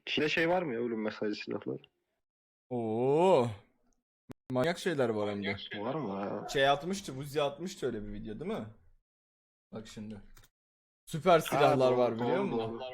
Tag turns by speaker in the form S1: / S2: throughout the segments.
S1: Çin'de şey var mı ya, ölüm mesajı silahlar?
S2: Oo. Manyak şeyler var hem de.
S1: Var mı ya?
S2: Şey atmıştı, Buzi atmıştı öyle bir video değil mi? Bak şimdi. Süper silahlar
S1: doğru,
S2: var biliyor
S1: doğru,
S2: musun?
S1: doğru.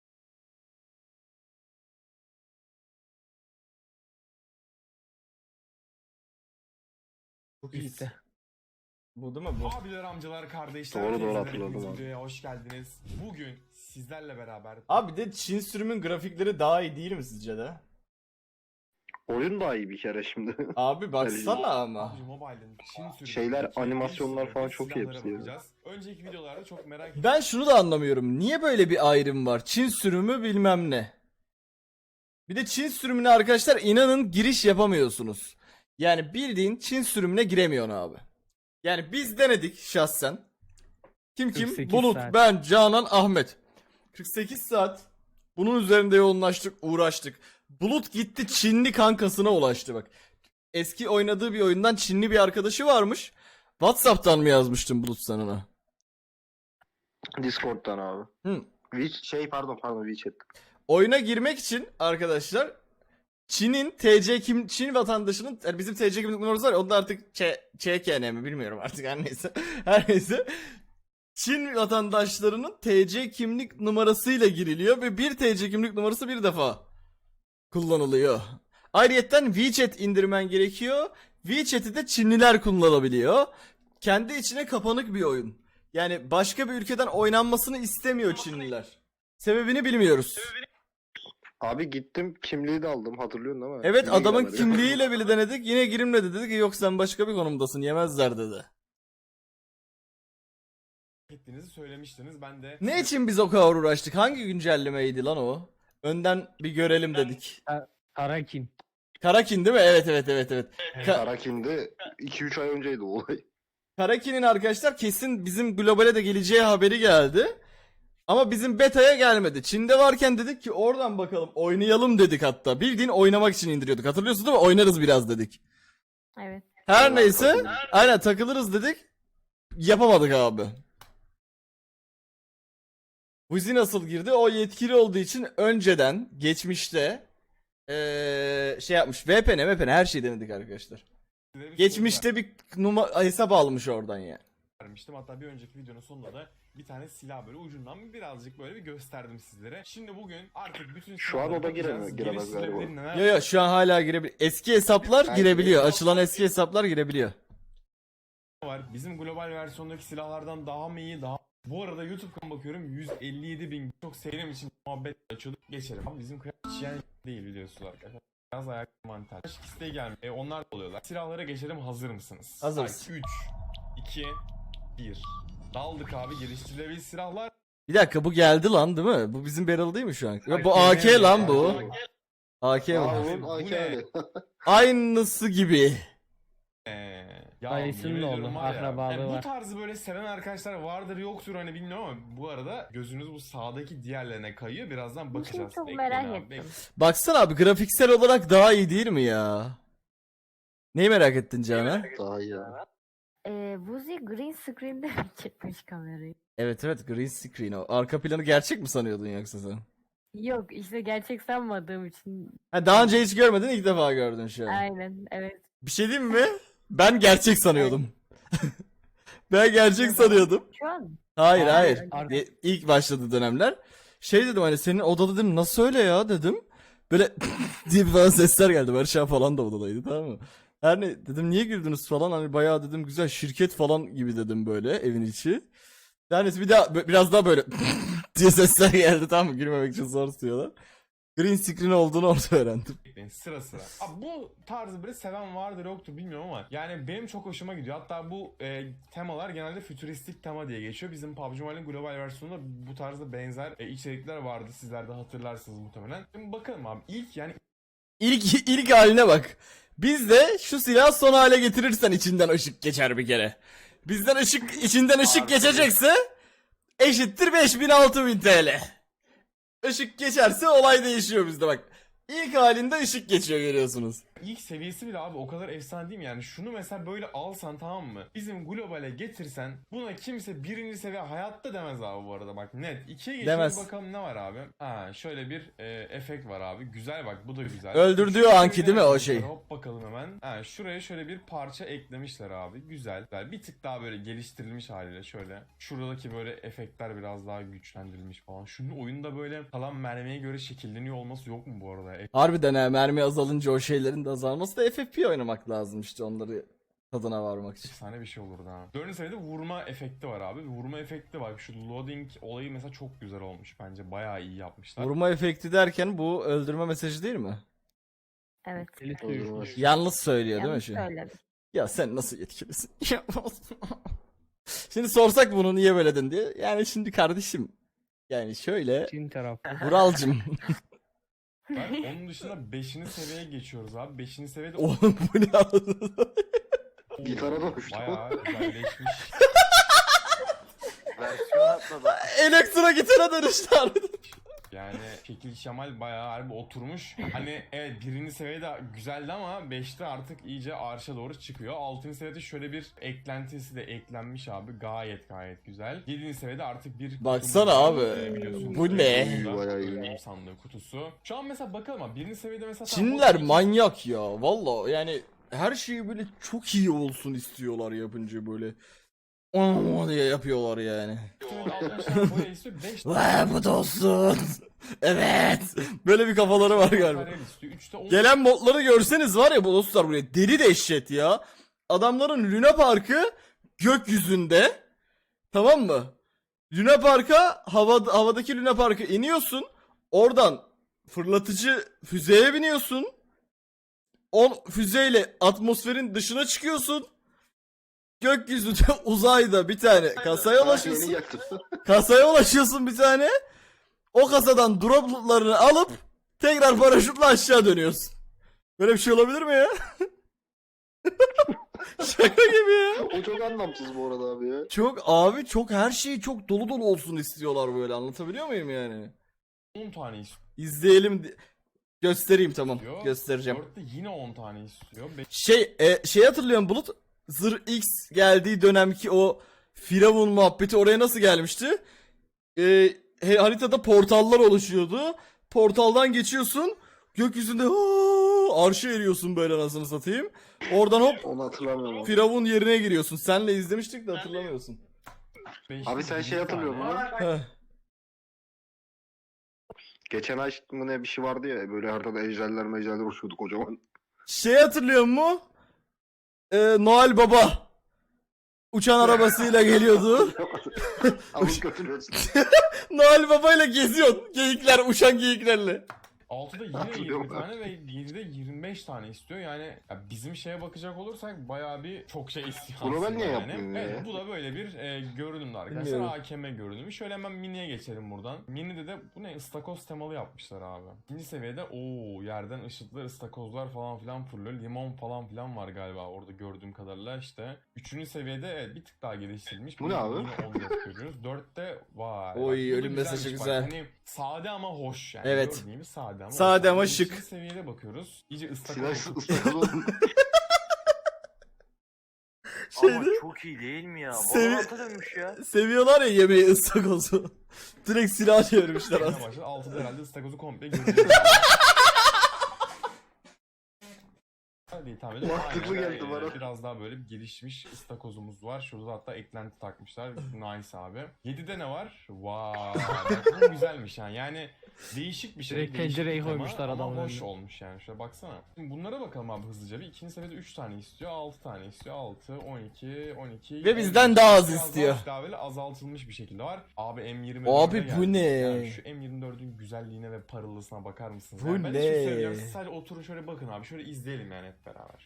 S2: Çok iyisi. Bu değil mi bu?
S3: Abiler, amcalar, kardeşler,
S1: Doğru,
S3: teyzeler,
S1: hatırladım
S3: hepiniz
S1: abi.
S3: videoya hoş geldiniz. Bugün sizlerle beraber
S2: Abi de Çin sürümün grafikleri daha iyi değil mi sizce de?
S1: Oyun daha iyi bir kere şimdi.
S2: Abi baksana ama.
S3: PUBG Mobile'ın Çin sürümü
S1: Şeyler, animasyonlar falan çok iyi hepsi ya.
S3: bakacağız. Önceki videolarda çok merak ettim.
S2: Ben şunu da anlamıyorum. Niye böyle bir ayrım var? Çin sürümü bilmem ne. Bir de Çin sürümüne arkadaşlar inanın giriş yapamıyorsunuz. Yani bildiğin Çin sürümüne giremiyorsun abi. Yani biz denedik şahsen. Kim?
S4: 48
S2: Bulut,
S4: saat.
S2: ben, Canan, Ahmet. 48 saat bunun üzerinde yoğunlaştık, uğraştık. Bulut gitti Çinli kankasına ulaştı bak. Eski oynadığı bir oyundan Çinli bir arkadaşı varmış. WhatsApp'tan mı yazmıştın Bulut sen ona?
S1: Discord'dan abi.
S2: Hı.
S1: Pardon WeChat.
S2: Oyuna girmek için arkadaşlar Çin'in Çin vatandaşının yani bizim TC kimlik numarası var ya, onda artık ÇKN mi bilmiyorum artık her neyse. Her neyse. Çin vatandaşlarının TC kimlik numarasıyla giriliyor ve bir TC kimlik numarası bir defa kullanılıyor. Ayrıyeten WeChat indirmen gerekiyor. WeChat'i de Çinliler kullanabiliyor. Kendi içine kapanık bir oyun. Yani başka bir ülkeden oynanmasını istemiyor Çinliler. Sebebini bilmiyoruz.
S1: Abi gittim, kimliği de aldım, hatırlıyorsun değil mi?
S2: Evet,
S1: Yine
S2: adamın
S1: giremedi.
S2: kimliğiyle bile denedik, yine girilmedi, dedi ki yok sen başka bir konumdasın, yemezler dedi.
S3: Ettiğinizi söylemiştiniz. Ben de
S2: Ne için biz o kadar uğraştık? Hangi güncellemeydi lan o? Önden bir görelim dedik.
S4: Karakin.
S2: Karakin değil mi? Evet.
S1: Karakin'de 2-3 ay önceydi o olay.
S2: Karakin'in arkadaşlar kesin bizim globale de geleceği haberi geldi. Ama bizim beta'ya gelmedi. Çin'de varken dedik ki oradan bakalım oynayalım dedik hatta. Bildiğin oynamak için indiriyorduk. Hatırlıyorsun değil mi? Oynarız biraz dedik.
S5: Evet.
S2: Her neyse. Aynen takılırız dedik. Yapamadık abi. Buzi nasıl girdi? O yetkili olduğu için önceden geçmişte şey yapmış. VPN her şeyi denedik arkadaşlar.
S3: size bir
S2: Geçmişte bir hesap almış oradan yani.
S3: soru vermiştim. Hatta bir önceki videonun sonunda da bir tane silah böyle ucundan birazcık böyle bir gösterdim sizlere. Şimdi bugün artık bütün
S1: Şu an
S3: silahlara
S1: o da
S3: bakacağız.
S1: giremez galiba.
S3: Geliştirilebilir neler
S2: Yo şu an hala girebiliyor. Eski hesaplar
S1: Her
S2: girebiliyor.
S1: şey-
S2: Açılan eski hesaplar girebiliyor.
S3: var. Bizim global versiyondaki silahlardan daha mı iyi, daha... Bu arada YouTube'dan bakıyorum 157.000 çok sevdiğim için muhabbet açıyorduk. Geçelim. Ama bizim kıyamet yani değil biliyorsunuz arkadaşlar. Biraz ayak mantar. İsteği gelmiyor. Onlar da oluyorlar. Silahlara geçelim, hazır mısınız?
S2: Hazırız.
S3: 3, 2, 1. Daldık abi, geliştirilebilir silahlar.
S2: Bir dakika bu geldi lan değil mi? Bu bizim barrel değil mi şu an? Yo, bu
S3: Hayır,
S2: AK
S3: değil.
S2: lan bu. AK
S1: Aa,
S2: bu.
S1: oğlum,
S3: Bu
S1: AK
S3: ne?
S1: abi.
S2: Aynısı gibi.
S3: Ya
S4: Dayısının
S3: yemin ediyorum
S4: oğlu,
S3: var ya,
S4: akrabalığı
S3: yani bu
S4: var.
S3: tarzı böyle seven arkadaşlar vardır yoktur hani bilmiyorum ama bu arada gözünüz bu sağdaki diğerlerine kayıyor. Birazdan
S5: Bu şeyi
S3: bakacağız.
S5: çok
S3: Bekleyin
S5: merak
S3: abi,
S5: ettim.
S3: bekleyin.
S2: Baksana abi grafiksel olarak daha iyi değil mi ya? Neyi merak ettin Canan?
S1: Daha iyi ya.
S5: Buzi green screen'de mi çekmiş kamerayı?
S2: Evet green screen o. Arka planı gerçek mi sanıyordun yoksa sen?
S5: Yok işte gerçek sanmadığım için.
S2: Ha, daha önce hiç görmedin, ilk defa gördün şu an.
S5: Aynen evet.
S2: Bir şey diyeyim mi? Ben gerçek sanıyordum. Ben gerçek sanıyordum.
S5: Şu an
S2: Hayır
S4: Hayır,
S2: hayır.
S4: arka-
S2: İlk başladığı dönemler. Şey dedim hani senin odada dedim nasıl öyle ya dedim. Böyle diye bir falan sesler geldi. Barış abi falan da odadaydı, tamam mı? Her ne dedim niye girdiniz falan, hani bayağı dedim güzel şirket falan gibi dedim böyle evin içi. Yani bir daha biraz daha böyle diye sesler geldi, tamam mı? Girmemek için zor tutuyorlar. Green screen olduğunu orada öğrendim.
S3: Bekleyin sıra sıra. Abi bu tarzı böyle seven vardır yoktur bilmiyorum ama yani benim çok hoşuma gidiyor. Hatta bu temalar genelde fütüristik tema diye geçiyor. Bizim PUBG Mobile'in global versiyonunda bu tarzda benzer içerikler vardı. Sizler de hatırlarsınız muhtemelen. Şimdi bakalım abi
S2: İlk haline bak. Bizde şu silahı son hale getirirsen içinden ışık geçer bir kere. Bizden içinden ışık geçecekse eşittir 5000 6000 TL. Işık geçerse olay değişiyor bizde bak. İlk halinde ışık geçiyor görüyorsunuz.
S3: İlk seviyesi bile abi o kadar efsane değil mi? Yani şunu mesela böyle alsan, tamam mı? Bizim globale getirsen buna kimse birinci seviye hayatta demez abi bu arada, bak net. İkiye geçiyoruz,
S2: Demez.
S3: bakalım ne var abi. Ha şöyle bir efekt var abi. Güzel, bak bu da güzel.
S2: Öldürdüğü
S3: Üçüncü
S2: anki
S3: seviyede
S2: değil mi o
S3: yapmışlar.
S2: şey?
S3: Hop bakalım hemen. Ha şuraya şöyle bir parça eklemişler abi. Güzel. Bir tık daha böyle geliştirilmiş haliyle şöyle. Şuradaki böyle efektler biraz daha güçlendirilmiş falan. Şunun oyunda böyle kalan mermiye göre şekilleniyor olması yok mu bu arada?
S2: Harbiden ha, mermi azalınca o şeylerin de azalması da FFP oynamak lazım işte onları tadına varmak için.
S3: Efsane bir şey olurdu ha. 4. seviyede vurma efekti var abi. Vurma efekti var. Şu loading olayı mesela çok güzel olmuş bence. Bayağı iyi yapmışlar.
S2: Vurma efekti derken bu öldürme mesajı değil mi?
S5: Evet.
S2: Yalnız söylüyor değil mi
S5: Yanlış
S2: şu?
S5: söyledim.
S2: Ya sen nasıl yetkilisin? Şimdi sorsak bunu niye böyledin diye. Yani şimdi kardeşim. Yani şöyle.
S4: Çin tarafı.
S2: Vuralcım.
S3: Onun dışında 5. seviyeye geçiyoruz abi. 5. seviyede
S2: Oğlum bu ne?
S1: Gitara dönüştü.
S3: bayağı güzelleşmiş.
S1: Versiyon atladı.
S2: Elektro gitara dönüştü harbiden.
S3: Yani şekil şemal bayağı harbi oturmuş. Hani evet 1. seviyede güzeldi ama 5'te artık iyice arşa doğru çıkıyor. 6. seviyede şöyle bir eklentisi de eklenmiş abi. Gayet güzel. 7. seviyede artık bir
S2: Baksana
S3: kutumuz
S2: abi.
S3: var. Biliyorsunuz.
S2: Bu ne?
S1: Bayağı iyi.
S3: Ölüm sandığı kutusu. Şu an mesela bakalım abi 1. seviyede mesela
S2: Çinliler manyak ya. Valla yani her şeyi böyle çok iyi olsun istiyorlar yapınca böyle. Diye yapıyorlar yani. Bu da olsun. Evet. Böyle bir kafaları var galiba. Gelen modları görseniz var ya bu dostlar buraya deli dehşet ya. Adamların Luna Park'ı gökyüzünde. Tamam mı? Luna Park'a havadaki Luna Park'a iniyorsun. Oradan fırlatıcı füzeye biniyorsun. Füzeyle atmosferin dışına çıkıyorsun. Gökyüzünde uzayda bir tane kasaya ulaşıyorsun.
S1: Yeni yaktı.
S2: Kasaya ulaşıyorsun bir tane. O kasadan droplarını alıp tekrar paraşütle aşağı dönüyorsun. Böyle bir şey olabilir mi ya? Şaka gibi ya.
S1: O çok anlamsız bu arada abi ya.
S2: Çok her şeyi çok dolu dolu olsun istiyorlar böyle, anlatabiliyor muyum yani?
S3: 10 tane istiyor.
S2: İzleyelim. Göstereyim, tamam. Göstereceğim.
S3: 4'te yine 10 tane istiyor.
S2: Şey hatırlıyorum Bulut. Zır X geldiği dönemki o Firavun muhabbeti oraya nasıl gelmişti? Haritada portallar oluşuyordu. Portaldan geçiyorsun. Gökyüzünde arşa eriyorsun böyle, anasını satayım. Oradan hop
S1: Onu hatırlamıyorum. Abi,
S2: Firavun yerine giriyorsun. Senle izlemiştik de hatırlamıyorsun.
S1: abi sen şey hatırlıyor musun?
S2: Heh.
S1: Geçen ay mı ne bir şey vardı ya, böyle haritada ejderler uçuyordu kocaman.
S2: Şey hatırlıyor musun? Noel Baba uçan arabasıyla geliyordu.
S1: Alıp götürüyorsun.
S2: Noel Baba ile geziyorsun. Geyikler, uçan geyiklerle.
S3: 6'da yine
S1: Hatırlıyorum
S3: 20 tane ve 7'de 25 tane istiyor. Yani ya bizim şeye bakacak olursak bayağı bir çok şey istiyor.
S1: Bunu ben
S3: aslında
S1: niye
S3: yani.
S1: yapmıyorum
S3: Evet,
S1: ya?
S3: bu da böyle bir görünümdü arkadaşlar.
S2: Bilmiyorum.
S3: AKM görünümü. Şöyle hemen miniye geçelim buradan. Mini'de de bu ne? Istakoz temalı yapmışlar abi. İkinci seviyede yerden ışıklar, ıstakozlar falan filan fırlıyor. Limon falan filan var galiba orada gördüğüm kadarıyla işte. Üçüncü seviyede evet, bir tık daha geliştirilmiş.
S1: Bu ne abi?
S3: Yine 14 görüyoruz. 4'te vay.
S2: Oy,
S3: Bak, bu da
S2: ölüm mesajı
S3: güzelmiş.
S2: güzel.
S3: Bak, hani sade ama hoş yani.
S2: Evet.
S3: Gördüğün gibi sade ama
S2: Sade
S3: hoş.
S2: ama
S3: Beşinci
S2: şık.
S3: seviyede bakıyoruz. İyice
S1: Silah
S3: ıstakoz.
S1: ıstakoz oldu.
S6: Ama
S2: Şeydi,
S6: çok iyi değil mi ya?
S2: Sevi-
S6: Valorant'a dönmüş ya.
S2: seviyorlar ya yemeği, ıstakozu. Direkt silah çevirmişler aslında.
S3: başladı. 6'da herhalde ıstakozu komple göreceğiz. Hadi tahmin ediyorum.
S1: Mantıklı
S3: Aynen,
S1: geldi bana.
S3: Biraz daha böyle bir gelişmiş ıstakozumuz var. Şurada hatta eklenti takmışlar. Nice abi. 7'de ne var? Vay. Bak bu güzelmiş yani. Yani değişik bir şey.
S4: Direkt
S3: değişik
S4: pencereyi
S3: bir tema
S4: koymuşlar
S3: ama
S4: adamın
S3: hoş
S4: önüne.
S3: olmuş yani. Şöyle baksana. Şimdi bunlara bakalım abi hızlıca. Bir ikinci seviyede 3 tane istiyor. 6 tane istiyor. 6, 12.
S2: Ve bizden daha az
S3: Biraz
S2: istiyor.
S3: Daha böyle azaltılmış bir şekilde var. Abi M24'e
S2: Abi bu
S3: geldi.
S2: ne?
S3: Yani şu M24'ün güzelliğine ve parılısına bakar mısınız?
S2: Bu
S3: Yani ben
S2: ne?
S3: hiçbir şey söyleyeceğim. Siz sadece oturun şöyle bakın abi. Şöyle izleyelim yani hep beraber.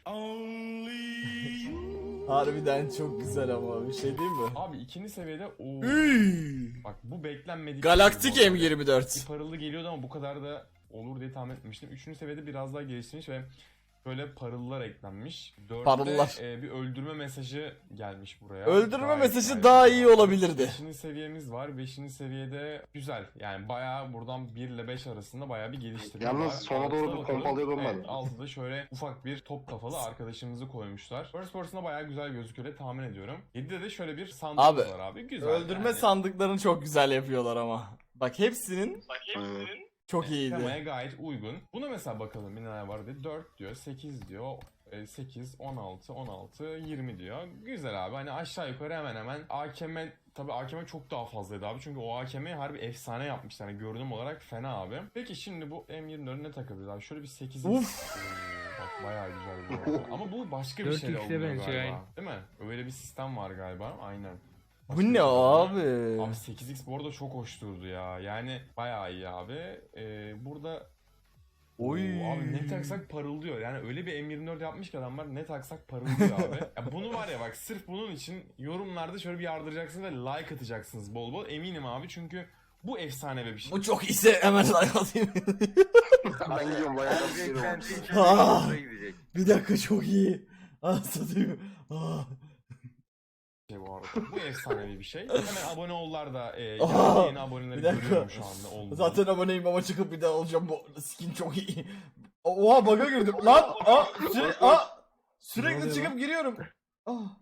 S2: Harbiden çok güzel ama bir şey değil mi?
S3: Abi ikinci seviyede bak bu beklenmedik.
S2: Galaktik
S3: bir şey bu arada.
S2: M24.
S3: Bir parıldı geliyordu ama bu kadar da olur diye tahmin etmiştim. Üçüncü seviyede biraz daha geliştirmiş ve böyle parıllar eklenmiş. 4'te
S2: Parıllar.
S3: bir öldürme mesajı gelmiş buraya.
S2: Öldürme
S3: Gayet,
S2: mesajı
S3: gayet
S2: daha
S3: güzel.
S2: iyi olabilirdi.
S3: 5. seviyemiz var. 5. seviyede güzel. Yani bayağı buradan 1 ile 5 arasında bayağı bir geliştirme
S1: Yalnız
S3: var.
S1: sona doğru
S3: Altıda
S1: bir
S3: bakalım.
S1: pompalıya durmadı.
S3: Evet, altıda şöyle ufak bir top kafalı arkadaşımızı koymuşlar. First person'a bayağı güzel gözüküyor diye tahmin ediyorum. 7'de de şöyle bir sandığımız
S2: Abi,
S3: var abi. Güzel.
S2: Öldürme
S3: yani.
S2: sandıklarını çok güzel yapıyorlar ama. Bak hepsinin çok
S3: Temaya
S2: iyiydi.
S3: gayet uygun. Buna mesela bakalım bir neler var diye. 4 diyor, 8 diyor, 8, 16, 16, 20 diyor. Güzel abi. Hani aşağı yukarı hemen hemen AKM, tabii AKM çok daha fazlaydı abi. Çünkü o AKM'yi harbi efsane yapmışlar. Yani görünüm olarak fena abi. Peki şimdi bu M24'ü ne takabiliriz abi? Şöyle bir 8.
S2: Uf.
S3: Bak bayağı güzel bu arada. Ama bu başka bir
S4: 4x'e
S3: şeyle oluyor
S4: benziyor
S3: galiba.
S4: yani.
S3: Değil mi? Öyle bir sistem var galiba. Aynen.
S2: Bu ne abi?
S3: Abi 8x bu arada çok hoş durdu ya. Yani bayağı iyi abi. Burada
S2: Oy.
S3: abi ne taksak parıldıyor. Yani öyle bir M24 yapmış ki adamlar ne taksak parıldıyor abi. Ya bunu var ya bak sırf bunun için yorumlarda şöyle bir yardıracaksınız ve like atacaksınız bol bol. Eminim abi çünkü bu efsane bir şey.
S2: Bu çok iyiyse hemen like atayım.
S1: Ben gidiyorum bayağı
S6: Abi
S1: kasıyorum.
S6: beklenti için
S2: Ah!
S6: buraya gidecek.
S2: Bir dakika çok iyi. Satayım. Ah.
S3: Bu arada. Bu efsanevi bir şey. Hemen abone ollar da
S2: Aa,
S3: yeni aboneleri
S2: bir dakika.
S3: görüyorum şu anda. Oldu.
S2: Zaten aboneyim ama çıkıp bir daha alacağım, bu skin çok iyi. Oha bug'a girdim lan. Sürekli
S4: oluyor
S2: çıkıp giriyorum. Ah.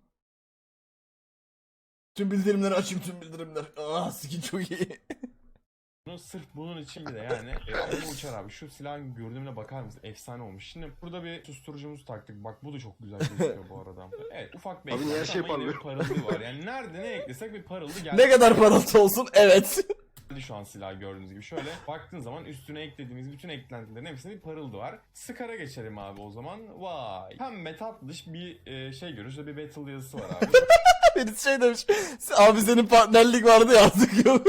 S2: Tüm bildirimleri açayım, tüm bildirimler. Skin çok iyi.
S3: Bunu sırf bunun için bile yani bu uçar abi. Şu silahın görünümüne bakar mısın? Efsane olmuş. Şimdi burada bir susturucumuzu taktık. Bak bu da çok güzel gözüküyor bu arada. Evet ufak bir
S1: Abi niye her
S3: eklenti
S1: şey
S3: ama yine bir
S1: parlıyor?
S3: parıldı var. Yani nerede ne eklesek bir parıldı geldi.
S2: Ne kadar parıltı olsun, evet.
S3: Şu an silah gördüğünüz gibi. Şöyle baktığın zaman üstüne eklediğimiz bütün eklentilerin hepsinde bir parıldı var. Scar'a geçelim abi o zaman. Vay. Pembe tatlış bir şey görüyoruz. Şurada bir battle yazısı var abi.
S2: Birisi şey demiş. Abi senin partnerlik vardı ya, artık yok.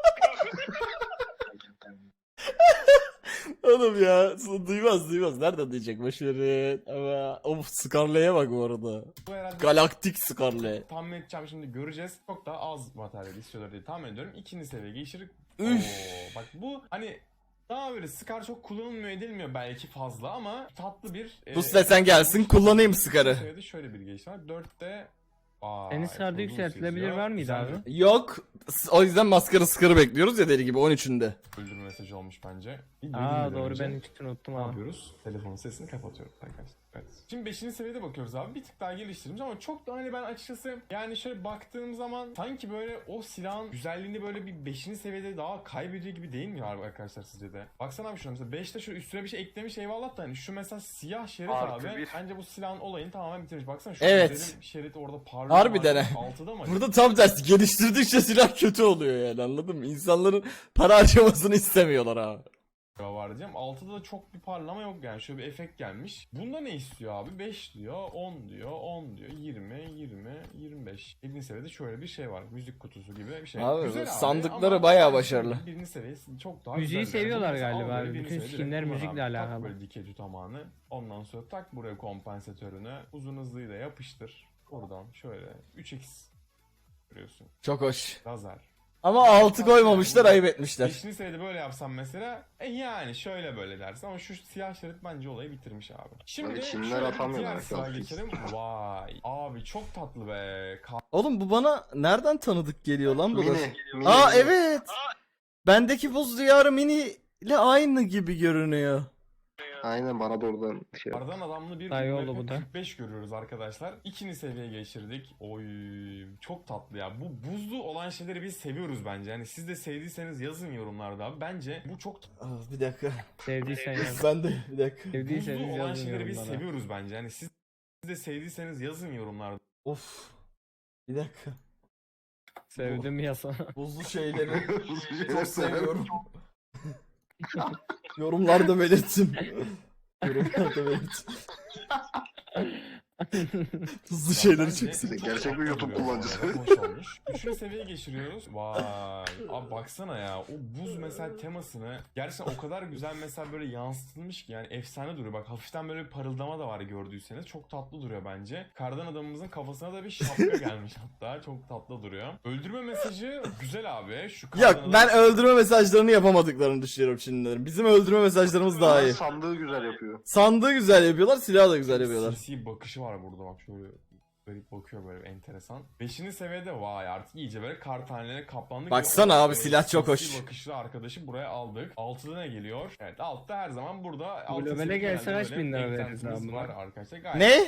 S2: Oğlum ya, duymaz. Nereden diyecek, boşverin. Ama of, Scarlet'e bak bu arada.
S3: Bu herhalde
S2: Galaktik Scarlet.
S3: tahmin edeceğim şimdi göreceğiz. Çok daha az materyal istiyorlar diye tahmin ediyorum. İkinci seviye geçirir.
S2: Üf.
S3: Bak bu hani daha böyle Scar çok kullanılmıyor edilmiyor belki fazla ama tatlı bir...
S2: Bu desen gelsin, kullanayım Scar'ı.
S3: Seviyede şöyle bir geliş var. 4'te...
S4: Senin Scar'da yükseltilebilir var mıydı abi?
S2: Yok. O yüzden maskara Scar'ı bekliyoruz ya, deli gibi 13'ünde.
S3: Öldürme mesajı olmuş bence.
S4: Aa doğru, ben hiç unuttum
S3: Ne
S4: abi.
S3: yapıyoruz? Telefonun sesini kapatıyorum arkadaşlar. Evet. Şimdi 5. seviyede bakıyoruz abi. Bir tık daha geliştirmiş ama çok da hani ben açıkçası yani şöyle baktığım zaman sanki böyle o silahın güzelliğini böyle bir 5. seviyede daha kaybediyor gibi değil mi abi arkadaşlar sizce de? Baksana abi şuna mesela 5'te şu üstüne bir şey eklemiş eyvallah da hani şu mesela siyah şerit
S6: Artı
S3: abi
S6: bir.
S3: bence bu silahın olayını tamamen bitirmiş. Baksana şu
S2: Evet.
S3: güzelim şerit orada parlıyor.
S2: Harbiden he.
S3: 6'da mı?
S2: Burada tam tersi, geliştirdikçe silah kötü oluyor yani, anladın mı? İnsanların para harcamasını istemiyorlar abi.
S3: Var diyeceğim. 6'da da çok bir parlama yok yani. Şöyle bir efekt gelmiş. Bunda ne istiyor abi? 5 diyor, 10 diyor, 10 diyor, 20, 20, 25. 7. seviyede şöyle bir şey var. Müzik kutusu gibi bir şey.
S2: Abi,
S3: Güzel
S2: sandıkları
S3: ama
S2: bayağı
S3: yani
S2: başarılı.
S3: 1. seviyesi çok daha
S4: Müziği
S3: güzel.
S4: seviyorlar
S3: Mesela
S4: galiba
S3: al
S4: abi.
S3: böyle
S4: Bütün
S3: 1. seviyede
S4: skinler
S3: kullan
S4: müzikle
S3: abi. Tak
S4: alakalı.
S3: böyle dikey tutamağını. Ondan sonra tak buraya kompansatörünü. Uzun hızlıyla yapıştır. Buradan şöyle 3x görüyorsun.
S2: Çok hoş.
S3: Lazer.
S2: Ama 6 koymamışlar, ayıp etmişler.
S3: 5. seviyede böyle yapsam mesela yani şöyle böyle dersin ama şu siyah şerit bence olayı bitirmiş abi. Şimdi
S1: Böyle Çinliler
S3: şöyle bir
S1: atamıyorlar
S3: diğer
S1: arkadaşlar.
S3: sıra geçelim. Vay abi çok tatlı be.
S2: Oğlum bu bana nereden tanıdık geliyor lan bu da?
S1: Mini.
S2: Aa evet. Bendeki buz diyarı mini ile aynı gibi görünüyor.
S1: Aynen bana da oradan şey.
S3: Kardan adamlı bir
S4: Daha iyi oldu
S3: UMP
S4: bu da.
S3: 45 görüyoruz arkadaşlar. 2. seviyeye geçirdik. Oy çok tatlı ya. Bu buzlu olan şeyleri biz seviyoruz bence. Yani siz de sevdiyseniz yazın yorumlarda abi. Bence bu çok
S2: Bir dakika.
S4: Sevdiysen yaz.
S2: Ben de bir dakika.
S4: Sevdiyseniz
S3: buzlu olan
S4: yazın
S3: şeyleri biz
S4: yorumlara.
S3: seviyoruz bence. Yani siz de sevdiyseniz yazın yorumlarda.
S2: Of. Bir dakika.
S4: Sevdim yazsana.
S2: Buzlu şeyleri
S1: Çok
S2: çok seviyorum. Yorumlarda belirttim. Yorumlarda belirttim. Hızlı şeyleri
S3: Bence
S2: çeksin.
S1: Gerçek bir
S3: tatlı
S1: YouTube
S3: duruyor bu
S1: kullanıcısı.
S3: arada, Hoş olmuş. Üçüncü seviyeye geçiriyoruz. Vay. Abi baksana ya. O buz mesela temasını gerçekten o kadar güzel mesela böyle yansıtılmış ki yani efsane duruyor. Bak hafiften böyle bir parıldama da var gördüyseniz. Çok tatlı duruyor bence. Kardan adamımızın kafasına da bir şapka gelmiş hatta. Çok tatlı duruyor. Öldürme mesajı güzel abi. Şu kardan
S2: Yok ben
S3: adam-
S2: öldürme mesajlarını yapamadıklarını düşünüyorum Çinlilerin. Bizim öldürme mesajlarımız daha iyi.
S1: Sandığı güzel yapıyor.
S2: Sandığı güzel yapıyorlar, silahı da güzel yapıyorlar.
S3: Sinsi bakışı var burada bak şöyle garip bakıyor böyle enteresan. 5. seviyede vay artık iyice böyle kar tanelerine kaplandık.
S2: Baksana
S3: Ve o,
S2: abi, silah çok
S3: sinsi
S2: hoş.
S3: bakışlı arkadaşı buraya aldık. 6'da ne geliyor? Evet 6'da her zaman burada.
S4: Globale gelse kaç bin lira veririz abi buna?
S3: Var arkadaşlar. Gayet
S2: Ne?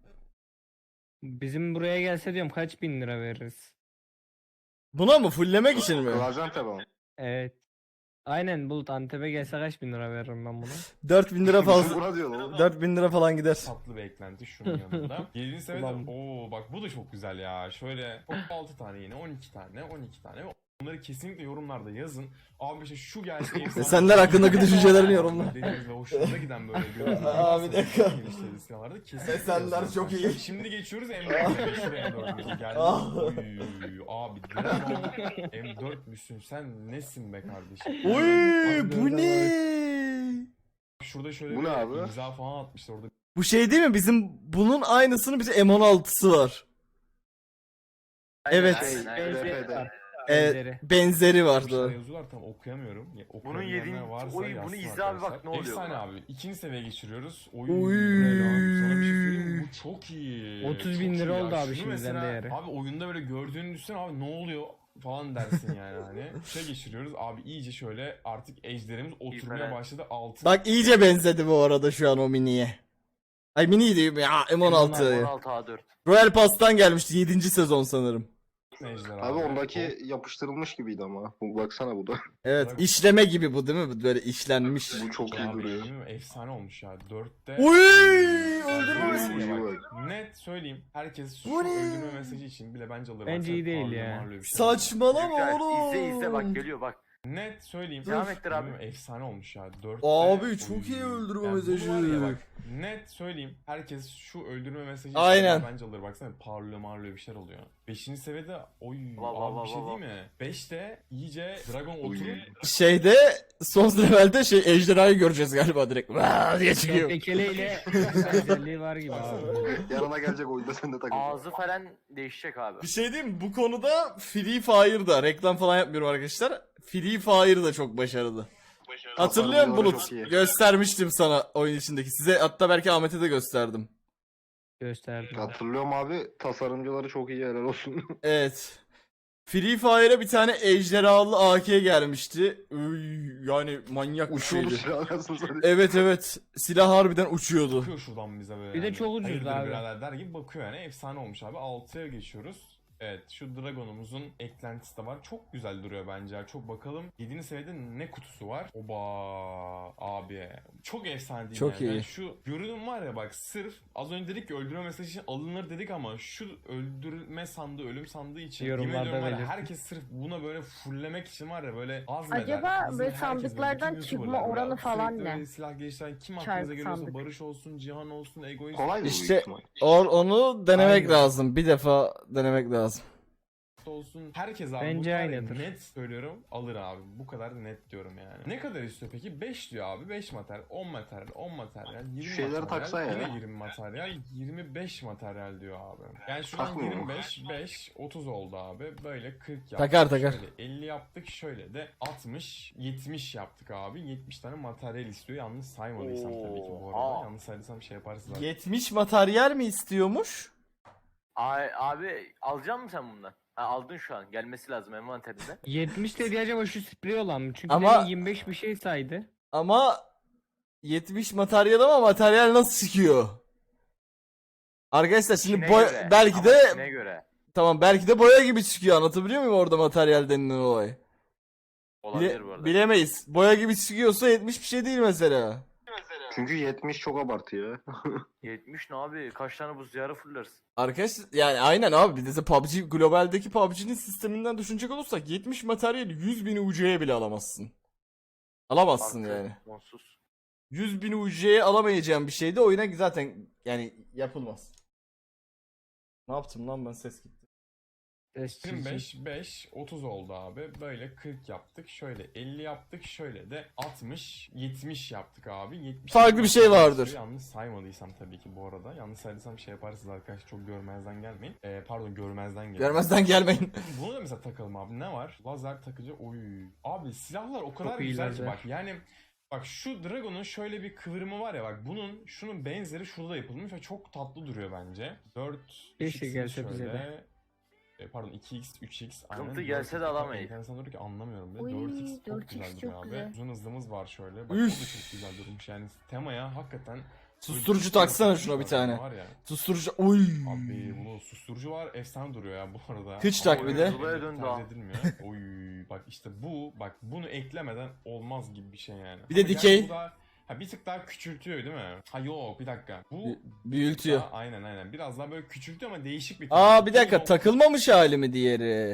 S4: Bizim buraya gelse diyorum kaç bin lira veririz?
S2: Buna mı? Fulllemek için mi?
S1: Gaziantep ama.
S4: Evet. Aynen Bulut Antep'e gelse kaç bin lira veririm ben buna?
S2: 4000 lira fazla.
S1: Buna diyor lan.
S2: 4000 lira falan gider.
S3: tatlı bir eklenti şunun yanında. 7. seviyede
S4: Ulan.
S3: ooo bak bu da çok güzel ya. Şöyle 6 tane yine 12 tane 12 tane. Bunları kesinlikle yorumlarda yazın. Abi işte şu gelse efsane.
S2: Senler hakkındaki düşüncelerini yorumla.
S3: Dediğiniz ve hoşunuza giden böyle görüntüler.
S2: Abi,
S3: varsa
S2: bir dakika.
S3: geliştirdiğiniz silahlarda kesinlikle
S2: Esenler
S3: yazın.
S2: çok iyi.
S3: Şimdi geçiyoruz M4'e. Şuraya M4'e geldik.
S2: Ah.
S3: Oy, abi Dragon M4 müsün sen nesin be kardeşim?
S2: Oy bu ne?
S3: Şurada şöyle
S1: Bu
S3: bir
S1: ne abi?
S3: imza falan atmışlar orada.
S2: Bu şey değil mi? Bizim bunun aynısının bize M16'sı var. Evet.
S6: Aynen, aynen.
S4: Benzeri
S1: RP'de.
S4: var.
S2: Evet,
S4: Benzeri.
S2: benzeri var
S3: Şeyler
S2: doğru.
S3: yazıyorlar tam okuyamıyorum. Ya,
S6: Bunun
S3: okuyabilenler
S6: yedinci-
S3: varsa
S6: oy, bunu
S3: yazsın
S6: izle abi, bak
S3: arkadaşlar.
S6: ne oluyor
S3: Efsane
S6: buna.
S3: abi. 2. seviyeye geçiriyoruz. Oy.
S2: Oy.
S3: Sana bir şey söyleyeyim mi? Bu çok iyi.
S4: 30 bin
S3: Çok
S4: lira
S3: iyi ya.
S4: oldu abi
S3: Şunu
S4: şimdiden
S3: mesela,
S4: değeri.
S3: Abi oyunda böyle gördüğünü düşünsene abi ne oluyor falan dersin yani hani. Şey geçiriyoruz abi iyice şöyle artık ejderimiz oturmaya
S6: İyi,
S3: başladı. 6.
S2: Bak iyice benzedi bu arada şu an o miniye. Ay mini değil ya M16.
S6: 16 A4.
S2: Royal Pass'tan gelmişti 7. sezon sanırım.
S3: ejder
S1: Abi ondaki yapıştırılmış gibiydi ama. Bu baksana bu da.
S2: Evet işleme gibi bu değil mi? Böyle işlenmiş.
S1: Bu çok iyi
S3: Abi,
S1: duruyor.
S3: değil mi? Efsane olmuş ya. 4'te.
S2: Uy,
S3: öldürme
S1: mesajı.
S3: Net söyleyeyim. Herkes şu
S2: Bu ne?
S3: öldürme mesajı için bile bence alır.
S4: Bence
S3: Baksana,
S4: iyi değil
S3: parlıyor,
S4: ya.
S3: marlıyor bir şey.
S2: Saçmalama
S6: Güzel.
S2: oğlum.
S6: İzle bak geliyor bak.
S3: Net söyleyeyim.
S6: Devam ettir abi.
S3: Bilmiyorum, efsane olmuş ya. 4'te.
S2: Abi çok iyi öldürme
S3: Yani bu
S2: mesajı.
S3: var ya bak, net söyleyeyim. Herkes şu öldürme mesajı
S2: Aynen.
S3: için bence alır. Baksana parlıyor marlıyor bir şeyler oluyor. 5. seviyede oy
S6: Va, va,
S3: abi
S6: va,
S3: bir şey
S6: va,
S3: değil
S6: va.
S3: mi? 5'te iyice Dragon
S1: Oy.
S3: oturup
S2: Şeyde son levelde şey ejderhayı göreceğiz galiba direkt. Vaa diye çıkıyor.
S4: Tekeleyle özelliği var gibi abi.
S1: Yarına gelecek oyunda sen de takıl.
S6: Ağzı falan değişecek abi.
S2: Bir şey diyeyim mi? Bu konuda Free Fire'da reklam falan yapmıyorum arkadaşlar. Free Fire da çok başarılı. Hatırlıyor musun
S1: Tasarımları
S2: Bulut?
S1: çok iyi.
S2: Göstermiştim sana oyun içindeki. Size hatta belki Ahmet'e de gösterdim.
S4: Gösterdim.
S1: Hatırlıyorum abi. Tasarımcıları çok iyi helal olsun.
S2: Evet. Free Fire'a bir tane ejderhalı AK gelmişti. Yani manyak bir
S1: Uçuyordu
S2: şeydi.
S1: silah arasını satayım.
S2: Evet evet. Silah harbiden uçuyordu.
S3: bakıyor şuradan bize böyle.
S4: Bir de
S3: yani.
S4: çok ucuzdu
S3: Hayırdır
S4: abi.
S3: birader der gibi bakıyor yani. Efsane olmuş abi. 6'ya geçiyoruz. Evet şu Dragon'umuzun eklentisi de var. Çok güzel duruyor bence. Çok bakalım. 7. seviyede ne kutusu var? Oba abi. Çok efsane değil
S2: Çok
S3: yani.
S2: iyi.
S3: Yani şu görünüm var ya bak sırf az önce dedik ki öldürme mesajı için alınır dedik ama şu öldürme sandığı, ölüm sandığı için
S4: Yorumlarda
S3: yemin ediyorum var ya,
S4: belirtin.
S3: herkes sırf buna böyle fulllemek için var ya böyle azmeder.
S5: Acaba
S3: Bizim
S5: böyle
S3: herkes
S5: sandıklardan
S3: bütün
S5: çıkma
S3: YouTuber'lar
S5: oranı
S3: böyle
S5: falan
S3: sürekli
S5: ne?
S3: böyle silah geliştiren kim
S5: Çarpı
S3: aklınıza geliyorsa
S5: sandık.
S3: Barış olsun, Cihan olsun, Egoist
S1: Kolay mı bu
S2: İşte-
S1: büyük ihtimal?
S2: Onu denemek
S4: Aynen.
S2: lazım. Bir defa denemek lazım.
S3: olsun. Herkes abi
S4: Bence
S3: bu kadar
S4: aynıdır.
S3: net söylüyorum alır abi. Bu kadar net diyorum yani. Ne kadar istiyor peki? 5 diyor abi. 5 materyal, 10 materyal, 10 materyal, 20
S1: Şu şeyleri
S3: materyal,
S1: taksa ya.
S3: yine 20 materyal, 25 materyal diyor abi. Yani şu an
S1: Takmıyor mu?
S3: 25, 5, 30 oldu abi. Böyle 40 yaptık.
S2: Takar.
S3: Şöyle 50 yaptık. Şöyle de 60, 70 yaptık abi. 70 tane materyal istiyor. Yalnız saymadıysam tabii ki bu arada.
S6: Oha.
S3: Yanlış saydıysam şey yaparsın zaten.
S2: 70 materyal mi istiyormuş?
S6: Abi alacak mısın sen bundan? Ha, aldın şu an. Gelmesi lazım envanterinde.
S4: 70 dedi acaba şu sprey olan mı? Çünkü
S2: Ama-
S4: demin 25 bir şey saydı.
S2: Ama 70 materyal ama materyal nasıl çıkıyor? Arkadaşlar şimdi
S6: İçine
S2: boya
S6: göre,
S2: belki
S6: ama
S2: de
S6: içine göre.
S2: tamam belki de boya gibi çıkıyor, anlatabiliyor muyum orada materyal denilen olay?
S6: Olabilir bu arada.
S2: Bilemeyiz. Boya gibi çıkıyorsa 70 bir şey değil mesela.
S1: Çünkü 70 çok abartı ya.
S6: 70 ne abi? Kaç tane buz diyarı fırlarsın?
S2: Arkadaşlar yani aynen abi, bir de PUBG globaldeki PUBG'nin sisteminden düşünecek olursak 70 materyal 100.000 UC'ye bile alamazsın. Alamazsın
S6: Artı,
S2: yani.
S6: Sonsuz.
S2: 100.000 UC'ye alamayacağın bir şey de oyuna zaten yani yapılmaz. Ne yaptım lan ben, ses gitti.
S4: Ses çirkin.
S3: 25, 5, 30 oldu abi. Böyle 40 yaptık. Şöyle 50 yaptık. Şöyle de 60, 70 yaptık abi. 70
S2: Farklı bir şey vardır.
S3: Yanlış saymadıysam tabii ki bu arada. Yanlış saydıysam şey yaparsınız arkadaşlar. Çok görmezden gelmeyin. Pardon, görmezden gelin.
S2: Görmezden gelmeyin.
S3: Bunu da mesela takalım abi. Ne var? Lazer takıcı. Oy. Abi silahlar o kadar
S4: Çok iyi
S3: güzel ki
S4: lazer.
S3: bak. Yani bak şu Dragon'un şöyle bir kıvrımı var ya bak. Şunun benzeri şurada yapılmış ve çok tatlı duruyor bence. 4
S4: Keşke gelse bize de.
S3: Pardon 2x, 3x.
S6: Sıkıntı gelse de alamayız.
S3: Enteresan duruyor ki anlamıyorum bile.
S5: Uy,
S3: 4x çok
S5: 4x
S3: güzel
S5: çok
S3: duruyor abi.
S5: güzel.
S3: Uzun hızlımız var şöyle. Bak o da
S2: Üf.
S3: çok güzel durmuş yani. Temaya hakikaten...
S2: Susturucu taksana şuna bir tane.
S3: Var ya.
S2: Susturucu. Oy.
S3: Abi bunu susturucu var, efsane duruyor ya bu arada.
S2: Kıç tak bir de.
S6: Zula'ya döndü
S3: Tercih
S6: ha.
S3: edilmiyor. Oy bak işte bak bunu eklemeden olmaz gibi bir şey yani.
S2: Bir de
S3: Ama
S2: dikey.
S3: gerçi bu da- bir tık daha küçültüyor değil mi? Ha yok bir dakika. Bu
S2: Büyültüyor.
S3: aynen. Biraz daha böyle küçültüyor ama değişik bir
S2: Aa bir dakika,
S3: Bu
S2: takılmamış hali mi diğeri?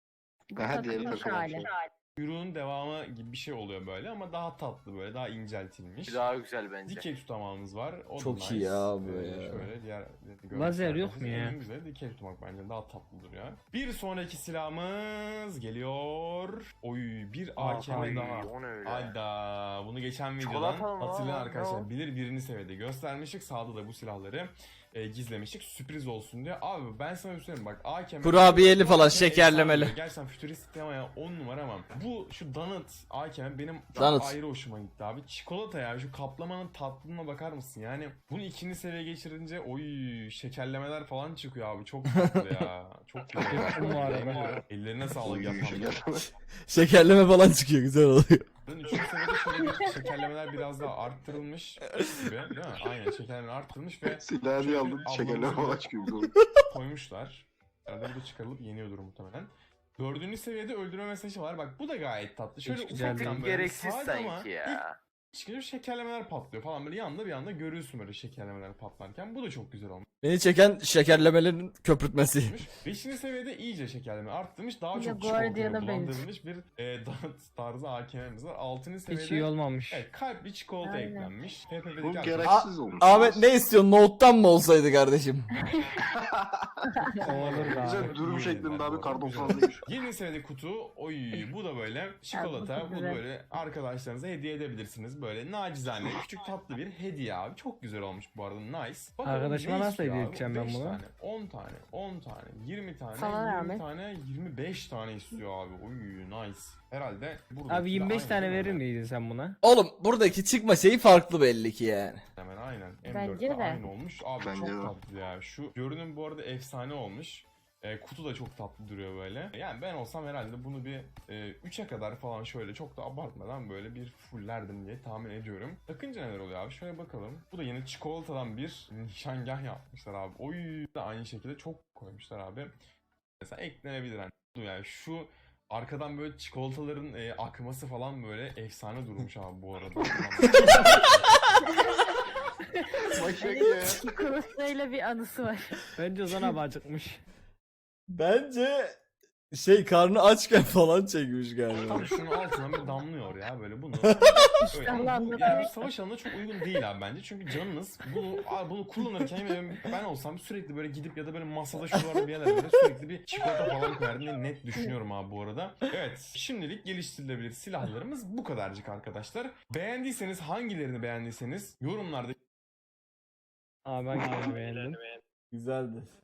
S5: Bu
S1: Aha, diğeri
S5: takılmış
S1: takılan
S5: hali.
S1: şey.
S3: Kuyruğun devamı gibi bir şey oluyor böyle ama daha tatlı böyle daha inceltilmiş.
S6: Bir daha güzel bence.
S3: Dikey tutamağımız var. O da
S2: Çok iyi
S3: nice.
S2: ya bu ya.
S3: Şöyle diğer
S4: Lazer yok mu ya?
S3: En güzeli dikey tutmak bence daha tatlıdır ya. Bir sonraki silahımız geliyor. Oy bir AKM
S6: Ay,
S3: daha.
S6: o ne öyle?
S3: Hayda bunu geçen videodan
S6: Çikolata mı?
S3: hatırlayan
S6: Aa,
S3: arkadaşlar
S6: ne
S3: bilir birini seviyede göstermiştik. Sağda da bu silahları gizlemiştik. Sürpriz olsun diye. Abi ben sana bir söyleyeyim bak AKM
S2: Kurabiyeli falan,
S3: AKM
S2: şekerlemeli.
S3: efsane. Gerçekten fütüristik temaya 10 numara ama bu şu donut AKM benim çok
S2: Donut.
S3: ayrı hoşuma gitti abi. Çikolata ya şu kaplamanın tatlılığına bakar mısın? Yani bunu ikinci seviye geçirince oy şekerlemeler falan çıkıyor abi. Çok tatlı ya. Çok güzel.
S4: Yaptım bu arada.
S3: Ellerine sağlık
S1: Oy,
S3: yapan.
S1: şeker.
S2: Şekerleme falan çıkıyor, güzel oluyor.
S3: Bunun üçüncü seviyede şöyle bir şekerlemeler biraz daha arttırılmış gibi değil mi? Aynen şekerlemeler arttırılmış ve
S1: Silahı diye aldım.
S3: Ablamızın
S1: Şekerler
S3: da-
S1: falan çıkıyor. Güzel.
S3: koymuşlar. Arada bu da çıkarılıp yeniyordur muhtemelen. Dördüncü seviyede öldürme mesajı var. Bak bu da gayet tatlı. Şöyle
S4: Hiç güzel
S3: ufaktan
S4: değil.
S3: böyle
S6: Gereksiz
S3: sade ama
S6: sanki
S3: ilk
S6: ya.
S3: çıkınca şekerlemeler patlıyor falan böyle yanda bir anda görüyorsun böyle şekerlemeler patlarken. Bu da çok güzel olmuş.
S2: Beni çeken şekerlemelerin köpürtmesi.
S3: Beşinci seviyede iyice şekerleme arttırmış. Daha
S5: Ya
S3: çok
S5: Guardian'a
S3: çikolatayla
S5: benziyor.
S3: bulandırılmış bir donut tarzı AKM'miz var. Altıncı seviyede
S4: Hiç iyi olmamış.
S3: evet, kalpli çikolata
S5: Aynen.
S3: eklenmiş.
S1: Bu
S3: PPP'deki
S1: gereksiz olmuş.
S2: Ahmet ne istiyorsun? Note'tan mı olsaydı kardeşim?
S4: Olur be
S1: Güzel
S4: abi.
S1: dürüm
S3: İyi
S1: şeklinde
S3: yediler
S1: abi
S3: bu
S1: karton
S3: arada,
S1: falan değil.
S3: 20 senede kutu. Oy bu da böyle çikolata.
S5: çok
S3: Bu da
S5: güzel.
S3: böyle arkadaşlarınıza hediye edebilirsiniz. Böyle nacizane küçük tatlı bir hediye abi. Çok güzel olmuş bu arada. Nice. Bakalım
S4: Arkadaşıma
S3: ne
S4: nasıl
S3: istiyor
S4: hediye
S3: abi?
S4: edeceğim ben
S3: 5
S4: bunu?
S3: tane, 10 tane, 10 tane, 20 tane,
S5: Sana
S3: 20
S5: Ahmet.
S3: tane, 25 tane istiyor abi. Oy nice. Herhalde burada.
S4: Abi 25 tane verir miydin sen buna?
S2: Oğlum buradaki çıkma şeyi farklı belli ki yani.
S3: Hemen aynen.
S5: Bence
S3: M4'te
S5: de.
S3: aynı olmuş. Abi
S1: Bence
S3: çok
S1: de.
S3: tatlı ya. Şu görünüm bu arada efsane olmuş. Kutu da çok tatlı duruyor böyle. Yani ben olsam herhalde bunu bir 3'e kadar falan şöyle çok da abartmadan böyle bir fullerdim diye tahmin ediyorum. Takınca neler oluyor abi? Şöyle bakalım. Bu da yine çikolatadan bir nişangah yapmışlar abi. Oy da aynı şekilde çok koymuşlar abi. Mesela eklenebilir yani şu arkadan böyle çikolataların akması falan böyle efsane durmuş abi bu arada.
S1: Başak ya.
S5: Çikolatayla bir anısı var.
S4: Bence Ozan abi acıkmış.
S2: Bence karnı açken falan çekmiş galiba.
S3: Tam şunun altına bir damlıyor ya böyle bunu. Böyle,
S5: Allah
S3: ama bu,
S5: Allah.
S3: yani bu savaş alanına çok uygun değil abi bence. Çünkü canınız bunu kullanırken ben olsam sürekli böyle gidip ya da böyle masada şuralarda bir yerlerde böyle sürekli bir çikolata falan koyardım diye net düşünüyorum abi bu arada. Evet şimdilik geliştirilebilir silahlarımız bu kadarcık arkadaşlar. Beğendiyseniz hangilerini beğendiyseniz yorumlarda
S4: Abi ben beğendim.
S2: Güzeldi.